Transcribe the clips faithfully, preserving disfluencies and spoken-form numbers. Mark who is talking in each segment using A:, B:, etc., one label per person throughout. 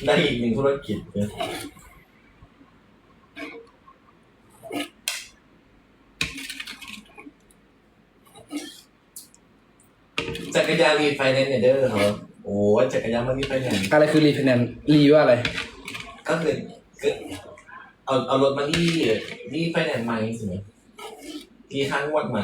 A: ได้อีกหนึ่งธุรกิจเลยจักรยานรีไฟแนนซ์เนี่ยเด้อครับโอ้จักรยานมันรีไฟแนนซ์
B: อะไรคือรีไฟแนนซ์รีว่าอะไร
A: ก็คือเอาเอารถมาที่ที่ไฟแนนซ์ใหม่ใช่ไหมที่ห้างงวดใหม่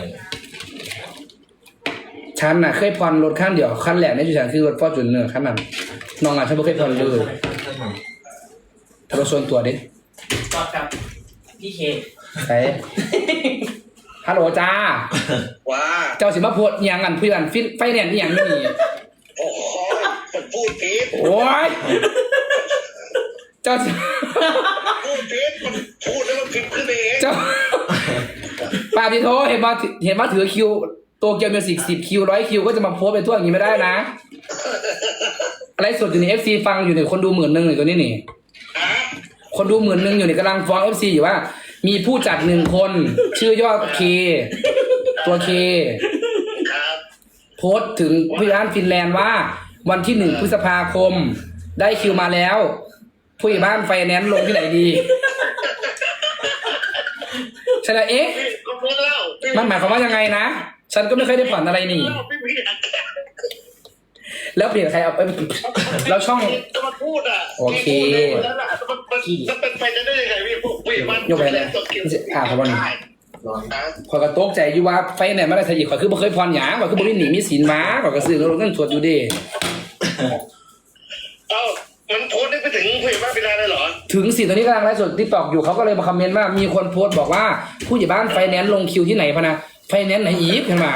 B: ฉันน่ะเคยผ่อนรถขั้นเดียวขั้นแรกในจุดฉันคือรถฟอร์จูเนอร์ขั้นนั้นน้องอ่ะฉันไม่เคยผ่อนเลยถ้ารถส่วนตัวดิ
C: ตอบกับพี่เค
B: ใช่ฮัลโหลจ้า
D: ว้า
B: เจ้าสิมาโพดยังกันเพื่อนฟินไฟแนนซ์อย่างนี้
D: โอ้โหมันพูดผิด
B: โอ้ยเจ้า
D: พูดผิดมันพูดแล้วมันผิดขึ้นเอง
B: เจ้าปาพี่โทเห็นมาเห็นมาถือคิวโตเกียวมิวสิกสิบคิวร้อยคิวก็จะมาโพสไปทั่วอย่างนี้ไม่ได้นะอะไรสดอยู่ในเอฟซีฟังอยู่เนี่ยคนดูหมื่นหนึ่งเลยตัวนี้นี่คนดูหมื่นหนึ่งอยู่เนี่ยกำลังฟ้องเอฟซีอยู่ว่ามีผู้จัดหนึ่งคนชื่อยอดเคตัวเคโพสถึงผู้ร้านฟินแลนด์ว่าวันที่หนึ่งพฤษภาคมได้คิวมาแล้วผู้ใหญ่บ้านไฟแนนซ์ลงที่ไหนดีใช่แล้วเอ๊ะมันหมายความว่ายังไงนะฉันก็ไม่เคยได้ผ่อนอะไรนี่แล้วเปลี่ยนใครเอาไปแล้วช่อง
D: จะมาพูดอ่ะ
B: โอเค
D: จะเป็นไปได้ยังไงพี่พี่มัน
B: ยกไปเลยอ่าขอบคุณ
D: ร้อนนะ
B: ขอยกระโต๊กใจอยู่ว่าไฟเนี่ยไม่ได้ใส่อีกขอยคือบ่เคยผ่อนหยาขอยคือบ่ได้หนีมีสินมาขอยก็ซื้อรถนั่งสวดอยู่ดิ
D: เอ้ามันโพสได้ไปถึงผู้ใหญ่บ้านไปได้เลยเหรอ
B: ถึงสิตอนนี้กำลังไลฟ์สดที่ตอกอยู่เขาก็เลยมาคอมเมนต์ว่ามีคนโพสต์บอกว่าผู้ใหญ่บ้านไฟแนนซ์ลงคิวที่ไหนพะนะไฟแนนซ์ไหนอีฟขึ้นมา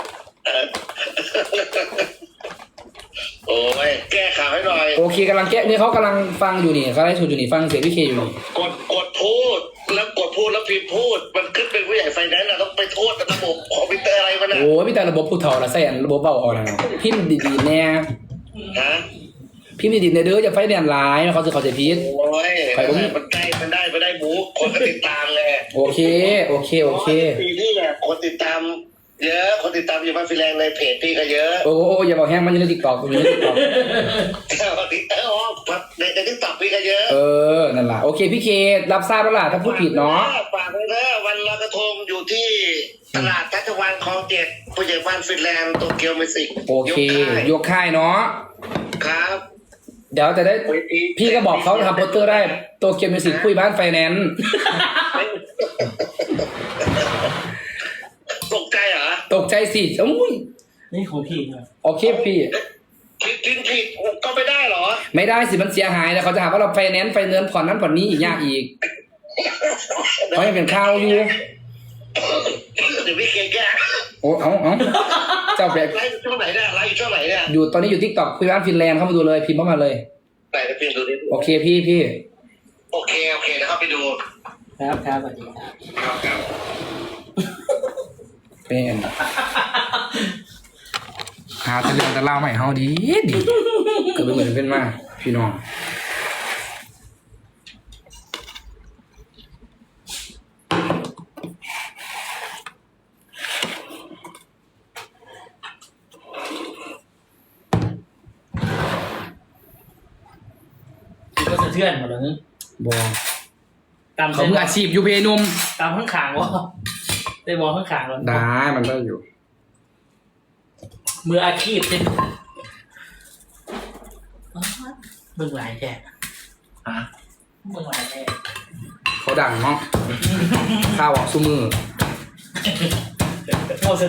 D: โอ้ยแก้ข่าวให้หน่อย
B: โอเคกำลังแก้นี่เขากำลังฟังอยู่นี่เขาไลฟ์สดอยู่นี่ฟังเสียงพี่เคอยู่นี่
D: กดกดพูดแล้วกดพูดแล้วพิมพ์พูดมันขึ้นเป็นผู้ใหญ่ไฟแนนซ์เราต้องไปโทษระบบคอมพิวเตอร์อะไรมันนะ
B: โอ้พี่แต่ระบบผู้เฒ่าละใส่ระบบเบาอ่อนนะพิมพ์ดีๆแน่
D: ฮะ
B: พิมพ์ดีๆในเด้อจะไฟแนนซ์หลายเขาจะเขาจะพีด
D: โอ้ยมันได้มันได้มันได้หมูคนก็ติดตามเลย
B: โอเคโอเคโอเค
D: ปีนี้เนี่ยคนติดตามเยอะคนติดตามอยู่บ้านฟิแลนด์ในเพจพี่ก็เยอะ
B: โอ้โหอย่าบอกแห้งมันอยู่ในติ๊กต็อกอยู่ในติ๊กต็อก
D: ติดเออในในติ๊กต็อกพี่ก็เยอะ
B: เออนั่นแหละโอเคพี่เครับทราบแล้วล่ะถ้าพูดผิดเนาะ
D: ฝากเลยนะวันลอยกระทงอยู่ที่ตลาดทัชวันคลองเจ็ดผู้ใหญ่บ้านฟินแลนด์โตเกียวมิวสิก
B: โอเคยกค่ายเนาะ
D: ครับ
B: เดี๋ยวจะได้พี่ก็บอกเขาทำโปสเตอร์ได้โตเกียวมิวสิกคุยบ้านไฟแนนซ์
D: ตกใจเหรอ
B: ตกใจสิอุ้ย
C: นี่ของพี่ครับ
B: โอเคพี่
D: คิดคิดผิดก็ไม่ได้เหรอ
B: ไม่ได้สิมันเสียหายแล้วเขาจะหาว่าเราไฟแนนซ์ไฟเนื้อผ่อนนั้นผ่อนนี้อีกยากอีกเพราะยังเป็นข้าวอยู่
D: เดี๋ยวพี่เกแก้
B: โอ้เอาเอาเจ้าแบบ
D: ไลฟ์ช่วงไหนเนี่ยไลฟ์ช่วงไหนเนี่ย
B: อยู่ตอนนี้อยู่ทิกตอกคุยบ้านฟินแลนด์เข้ามาดูเลยพิมพ์เข้ามาเลย
D: ไหนจะพิมพ์ดูดิ
B: โอเคพี่พี่
D: โอเคโอเคนะครับไปดู
C: ครับครับสวัสดีครับ
D: ครับ
B: เป็นหาแต่เรื่องแต่เล่าใหม่เฮาดีดีเกิดไปเหมือนเป็นมาพี่น้อง
C: ก็สะเทือนหมดเลย
B: บอ
C: ตาม
B: เขามืออาชีพอยู่เพนุ่ม
C: ตามข้างขางวะได้บอข้างขางแล้ว
B: ได้มันก็อยู่
C: มืออาชีพเป็นมึงหลายแท้
A: ฮะ
C: มึงหลายแท้
B: เขาดังเนาะข้าวออกสู้มือ